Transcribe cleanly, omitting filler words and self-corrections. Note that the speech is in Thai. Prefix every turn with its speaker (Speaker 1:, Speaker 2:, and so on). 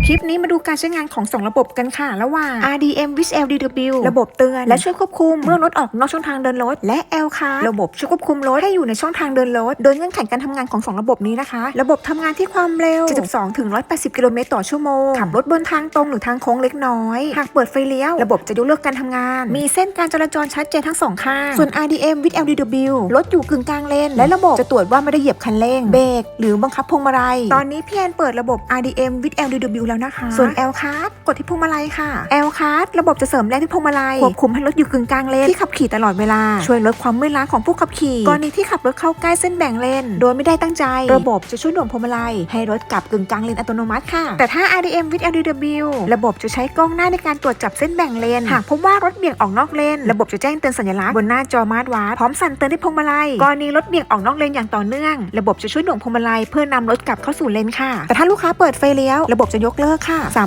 Speaker 1: คลิปนี้มาดูการใช้งานของ2ระบบกันค่ะระหว่าง RDM with LDW ระบบเตือนและช่วยควบคุมเมื่อรถออกนอกช่องทางเดินรถและ LCAR ระบบช่วยควบคุมรถให้อยู่ในช่องทางเดินรถโดยเงื่อนไขการทำงานของ2ระบบนี้นะคะระบบทำงานที่ความเร็ว72ถึง180กิโลเมตรต่อชั่วโมงขับรถบนทางตรงหรือทางโค้งเล็กน้อยหากเปิดไฟเลี้ยวระบบจะยกเลิกการทำงานมีเส้นการจราจรชัดเจนทั้ง2ข้างส่วน RDM with LDW รถอยู่กึ่งกลางเลนและระบบจะตรวจว่าไม่ได้เหยียบคันเร่งเบรกหรือบังคับพวงมาลัยตอนนี้พี่แอนเปิดระบบ RDM with LDW แล้วนะคะส่วน LCAR กดที่พวงมาลัยค่ะ LCAR ระบบจะเสริมแรงที่พวงมาลัยควบคุมให้รถอยู่กึ่งกลางเลนที่ขับขี่ตลอดเวลาช่วยลดความเมื่อยล้าของผู้ขับขี่กรณีที่ขับรถเข้าใกล้เส้นแบ่งเลนโดยไม่ได้ตั้งใจระบบจะช่วยหน่วงพวงมาลัยให้รถกลับกึ่งกลางเลนอัตโนมัติค่ะแต่ถ้า RDM with LDW ระบบจะใช้กล้องหน้าในการตรวจจับเส้นแบ่งเลนหากพบว่ารถเบี่ยงออกนอกเลนระบบจะแจ้งเตือนสัญลักษณ์บนหน้าจอมาร์ทวาทพร้อมสั่นเตือนที่พวงมาลัยกรณีรถเบี่ยงออกนอกเลนอย่างต่อเนื่องระบบจะช่วยหน่วงพวงมาลัยเพื่อนำรถกลับเข้าสู่เลนค่ะแต่ถ้าลูกค้าเปิดไฟเลี้ยวระบบจะยกเลิกค่ะ